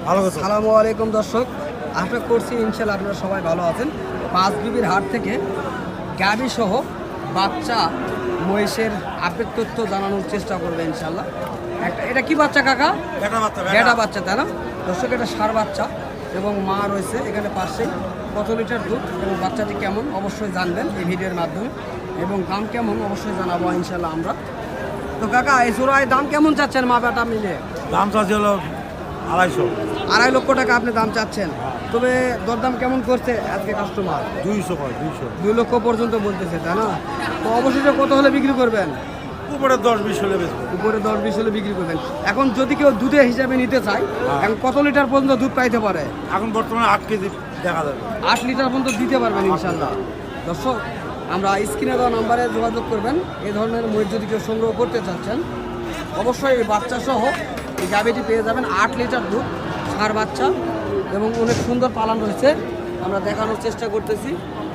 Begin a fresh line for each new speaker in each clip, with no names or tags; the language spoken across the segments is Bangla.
আসসালামু আলাইকুম দর্শক, আশা করছি ইনশাআল্লাহ আপনারা সবাই ভালো আছেন। পাঁচবিবির হাট থেকে গাভী সহ বাচ্চা মহিষের আপডেট তথ্য জানানোর চেষ্টা করবে ইনশাআল্লাহ। এটা কি বাচ্চা কাকা? বেটা বাচ্চা, তাই না দর্শক? এটা ষাঁড় বাচ্চা এবং মা রয়েছে এখানে পাশেই। কত লিটার দুধ এবং বাচ্চাটি কেমন অবশ্যই জানবেন এই ভিডিওর মাধ্যমে, এবং দাম কেমন অবশ্যই জানাবো ইনশাআল্লাহ আমরা। তো কাকা, এই জোড়ায় দাম কেমন চাচ্ছেন মা বেটা মিলে?
দাম চাচ্ছি হলো 250।
2.5 লক্ষ টাকা আপনি দাম চাচ্ছেন, তবে দরদাম কেমন করছে আজকে কাস্টমার? 2 লক্ষ পর্যন্ত বলতেছে, তাই না? তো অবশেষে কত হলে বিক্রি করবেন?
উপরে 10-20 হলে বেশি।
উপরে 10-20 হলে বিক্রি করবেন। এখন যদি কেউ দুধে হিসাবে নিতে চায়, এখন কত লিটার পর্যন্ত দুধ পাইতে পারে?
এখন বর্তমানে 8 কেজি দেখা যাবে।
8 লিটার পর্যন্ত দিতে পারবেন ইনশাল্লাহ। দর্শক, আমরা স্ক্রিনে দেওয়া নাম্বারে যোগাযোগ করবেন। এই ধরনের মহিষ যদি কেউ সংগ্রহ করতে চাচ্ছেন, অবশ্যই বাচ্চা সহ এই গাভীটি পেয়ে যাবেন। 8 লিটার দুধ, ষাঁড় বাচ্চা এবং অনেক সুন্দর পালন রয়েছে, আমরা দেখানোর চেষ্টা করতেছি।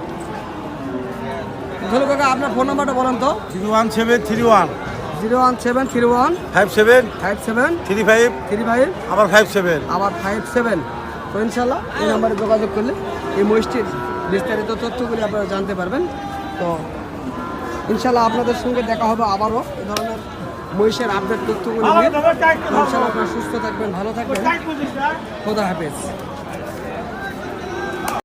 ধরো কাকা, আপনার ফোন নাম্বারটা বলেন তো।
01731
01731
57
57
35
35
আবার 57
আবার 57। তো ইনশাল্লাহ এই নাম্বারে যোগাযোগ করলে এই মহিষটির বিস্তারিত তথ্যগুলি আপনারা জানতে পারবেন। তো ইনশাল্লাহ আপনাদের সঙ্গে দেখা হবে আবারও এই ধরনের মহিষের আপডেট তথ্যগুলি নিয়ে। ইনশাল্লাহ আপনারা সুস্থ থাকবেন, ভালো থাকবেন, খোদা হাফেজ।